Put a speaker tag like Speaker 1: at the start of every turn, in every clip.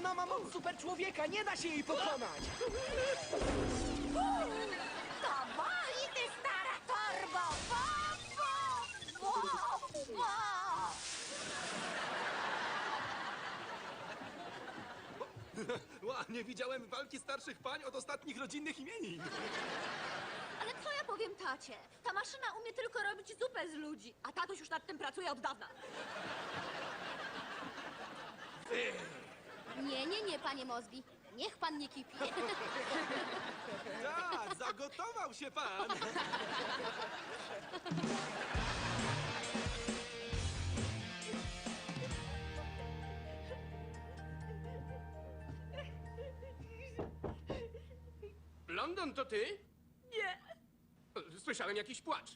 Speaker 1: Ona ma moc super człowieka, nie da się jej pokonać!
Speaker 2: To boli, ty stara torbo! Bo!
Speaker 3: Ła, nie widziałem walki starszych pań od ostatnich rodzinnych imienin.
Speaker 2: Ale co ja powiem tacie? Ta maszyna umie tylko robić zupę z ludzi, a tatuś już nad tym pracuje od dawna. Nie, panie Mosby. Niech pan nie kipi.
Speaker 3: Tak, zagotował się pan.
Speaker 4: London, to ty?
Speaker 2: Nie.
Speaker 4: Słyszałem jakiś płacz.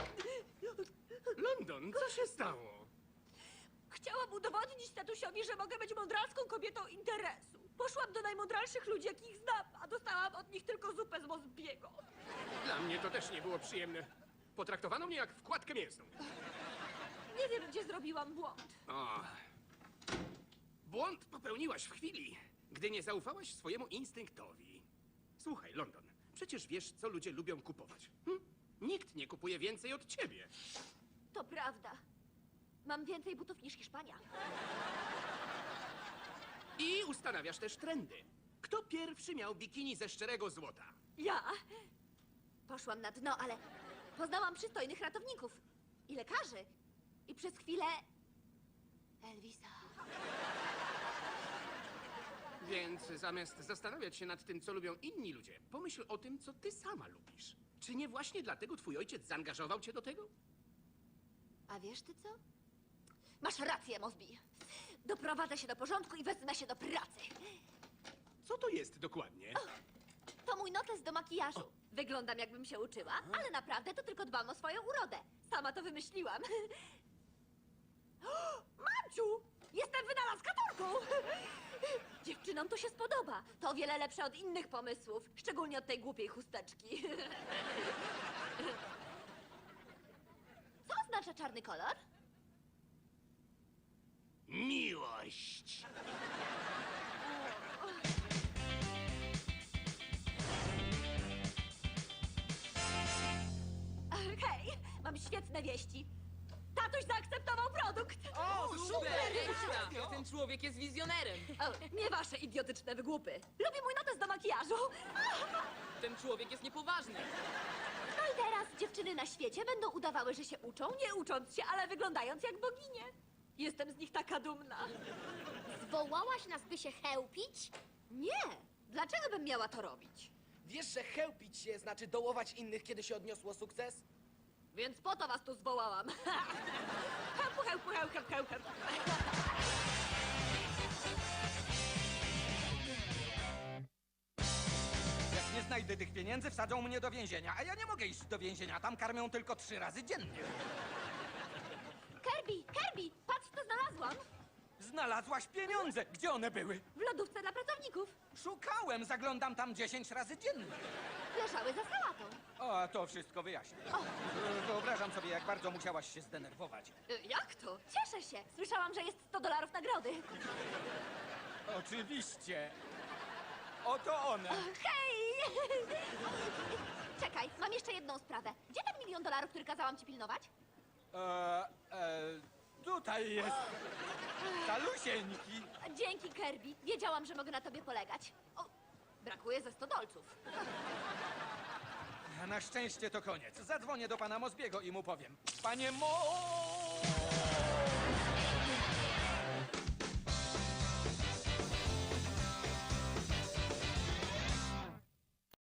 Speaker 4: London, co się stało?
Speaker 2: Chciałam udowodnić tatusiowi, że mogę być mądralską kobietą interesu. Poszłam do najmądralszych ludzi, jakich znam, a dostałam od nich tylko zupę z Mosbiego.
Speaker 4: Dla mnie to też nie było przyjemne. Potraktowano mnie jak wkładkę mięsną.
Speaker 2: Nie wiem, gdzie zrobiłam błąd.
Speaker 4: O. Błąd popełniłaś w chwili, gdy nie zaufałaś swojemu instynktowi. Słuchaj, London, przecież wiesz, co ludzie lubią kupować. Nikt nie kupuje więcej od ciebie.
Speaker 2: To prawda. Mam więcej butów niż Hiszpania.
Speaker 4: I ustanawiasz też trendy. Kto pierwszy miał bikini ze szczerego złota?
Speaker 2: Ja? Poszłam na dno, ale poznałam przystojnych ratowników i lekarzy. I przez chwilę... Elvisa.
Speaker 4: Więc zamiast zastanawiać się nad tym, co lubią inni ludzie, pomyśl o tym, co ty sama lubisz. Czy nie właśnie dlatego twój ojciec zaangażował cię do tego?
Speaker 2: A wiesz ty co? Masz rację, Mosby. Doprowadzę się do porządku i wezmę się do pracy.
Speaker 4: Co to jest dokładnie?
Speaker 2: To mój notes do makijażu. Wyglądam, jakbym się uczyła, ale naprawdę to tylko dbam o swoją urodę. Sama to wymyśliłam. O, Mamciu! Jestem wynalazkatorką! Dziewczynom to się spodoba. To o wiele lepsze od innych pomysłów. Szczególnie od tej głupiej chusteczki. Co oznacza czarny kolor?
Speaker 4: Miłość!
Speaker 2: Hej, mam świetne wieści. Tatuś zaakceptował produkt.
Speaker 1: O, super!
Speaker 5: Ekstra! Ten człowiek jest wizjonerem.
Speaker 2: O, nie wasze idiotyczne wygłupy. Lubię mój notes do makijażu.
Speaker 5: Ten człowiek jest niepoważny.
Speaker 2: No i teraz dziewczyny na świecie będą udawały, że się uczą, nie ucząc się, ale wyglądając jak boginie. Jestem z nich taka dumna.
Speaker 6: Zwołałaś nas, by się chełpić?
Speaker 2: Nie, dlaczego bym miała to robić?
Speaker 1: Wiesz, że chełpić się znaczy dołować innych, kiedy się odniosło sukces?
Speaker 2: Więc po to was tu zwołałam. Chełpu, chełpu, chełp, chełp, chełp, chełp.
Speaker 7: Jak nie znajdę tych pieniędzy, wsadzą mnie do więzienia. A ja nie mogę iść do więzienia, tam karmią tylko 3 razy dziennie.
Speaker 2: Kirby, patrz co znalazłam.
Speaker 7: Znalazłaś pieniądze! Gdzie one były?
Speaker 2: W lodówce dla pracowników.
Speaker 7: Szukałem, zaglądam tam 10 razy dziennie.
Speaker 2: Leżały za sałatą.
Speaker 7: O, to wszystko wyjaśnię. Wyobrażam sobie, jak bardzo musiałaś się zdenerwować.
Speaker 2: Jak to? Cieszę się. Słyszałam, że jest $100 nagrody.
Speaker 7: Oczywiście. Oto one.
Speaker 2: Hej! Czekaj, mam jeszcze jedną sprawę. Gdzie ten $1 milion, który kazałam ci pilnować?
Speaker 7: Tutaj jest. Talusieńki.
Speaker 2: Dzięki, Kirby. Wiedziałam, że mogę na tobie polegać. O, brakuje ze $100.
Speaker 7: Na szczęście to koniec. Zadzwonię do pana Mosbiego i mu powiem. Panie Mo...